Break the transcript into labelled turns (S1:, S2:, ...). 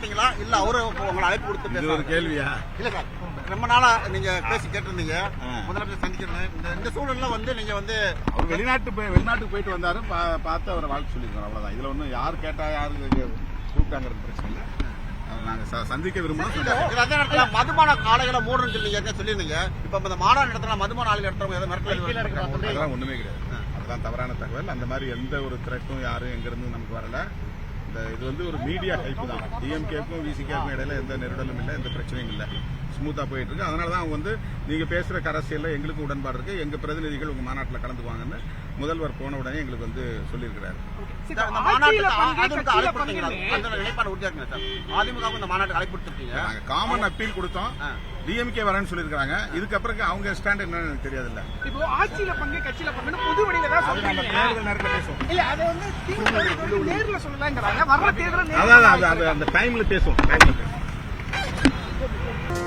S1: பேசிட்டீங்களா இல்ல அவரு உங்களை அழைப்பு கொடுத்து
S2: ஒரு கேள்வியா?
S1: இல்ல சார், ரொம்ப நாளா நீங்க பேசி கேட்டிருந்தீங்க முதலமைச்சர் சந்திக்கணும். இந்த சூழல்ல வந்து நீங்க வந்து
S2: அவர் வெளிநாட்டுக்கு போயிட்டு வந்தாரு, பார்த்து அவரை வாழ்த்து சொல்லியிருக்கோம், அவ்வளவுதான். இதுல ஒன்றும் யார் கேட்டா யாரு கூப்பிட்டாங்கிறது பிரச்சனை இல்லை. நாங்க சந்திக்க விரும்புறோம்.
S1: மதுபான ஆலைகளை மூடணும் சொல்லியிருந்தீங்க. இப்ப இந்த மாநாடு நடத்தினா மதுபான ஆலைகள் நடத்துறவங்க ஏதோ மிரட்டல்
S2: அதெல்லாம் ஒண்ணுமே கிடையாது. அதெல்லாம் தவறான தகவல். அந்த மாதிரி எந்த ஒரு த்ரெட்டும் யாரும் எங்க இருந்து நமக்கு வரல. இது வந்து ஒரு மீடியா ஹைப் தான். டிஎம்கேக்கும் விசிகேக்கும் இடையில எந்த நெருடலும் இல்லை, எந்த பிரச்சனையும் இல்லை, ஸ்மூத்தா போயிட்டு இருக்கு. அதனாலதான் அவங்க வந்து நீங்க பேசுற அரசியல்ல எங்களுக்கு உடன்பாடு இருக்கு, எங்க பிரதிநிதிகள் உங்க மாநாட்டில் கலந்துக்குவாங்கன்னு முதல்வர் போன உடனே எங்களுக்கு வந்து சொல்லியிருக்கிறாரு. நாங்க காமன் அப்பீல் கொடுத்தோம், டிஎம்கே வரேன்னு சொல்லியிருக்காங்க. இதுக்கப்புறம் அவங்க ஸ்டாண்ட் என்னன்னு எனக்கு தெரியாது. இல்ல
S3: இப்போ ஆட்சியில பங்கு கட்சியில பங்கு பொது வழியில தான் சொல்றீங்க.
S2: தேர்தல் நேரத்துல பேசுவோம்.
S3: இல்ல அது வந்து நேர்ல சொல்லலாம்ங்கறாங்க. வர்ற தேர்தல்
S2: அதான் அந்த டைம்ல பேசுவோம்.